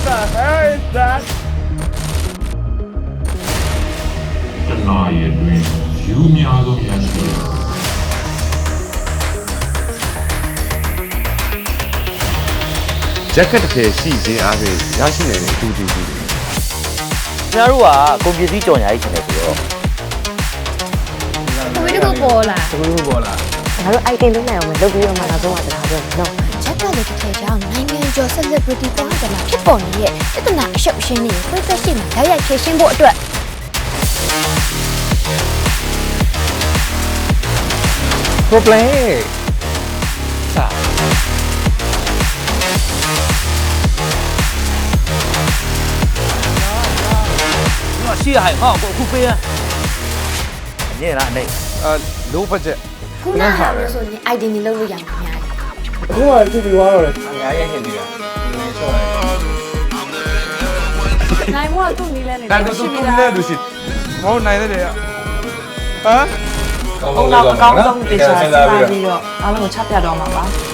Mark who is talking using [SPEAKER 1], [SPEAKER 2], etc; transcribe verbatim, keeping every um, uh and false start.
[SPEAKER 1] the hell is that
[SPEAKER 2] တနာရီအတွင်းယူများဆုံးရရှိတယ်
[SPEAKER 3] ဂျက်ကက်တစ်ထည်ရှိခြင်းအားဖြင့်ရရှိနိုင်တဲ့အတူတူတွေ
[SPEAKER 4] ကျွန်တော်တို့ကကွန်ပျူတာကြော်ညာကြီးချင်တယ်ဆိုတော့
[SPEAKER 5] တဝေးတစ်ခုပေါ်လာ
[SPEAKER 1] တခုပေါ်လာ
[SPEAKER 6] ငါတို့ item လုံးနိုင်အောင်လုပ်ပြီးတော့မှနောက်ဆုံးကတခါပြောနော်
[SPEAKER 5] ချက်ကလေးတစ်ထည်ကြောင့်နိုင်ငံကျော် celebrity ပေါင်းတယ်မှာဖြစ်ပေါ်နေတဲ့ပြဿနာအရှုပ်ရှင်းနေကိုယ်သက်ရှိမှာဓာတ်ရိုက်ဖြေရှင်းဖို့အတွက်
[SPEAKER 1] problem
[SPEAKER 4] ရှိရဟဲ့ဟောကိုအခုပေးရညင်လားအနေ
[SPEAKER 3] အဲ low budget
[SPEAKER 5] ခုနကဟာလို့ဆိုရင် item တွေလုပ်လို့ရမှာများတယ်
[SPEAKER 1] အခုမှကြည့်ပြီးသွားတော့လေအများကြီးဟင်ပြီးတာနည်းချော့တယ်
[SPEAKER 7] နိုင်မို့သူ့နီးလဲနေ
[SPEAKER 3] ဒါတော့သူသူနဲ့သူရှိမဟုတ်နိုင်တဲ့လေဟမ်
[SPEAKER 7] အုံနောက်အကောင်းဆုံးတေချာစဉ်းစားပြီးတော့အားလုံးကိုချပြတော့မှာပါ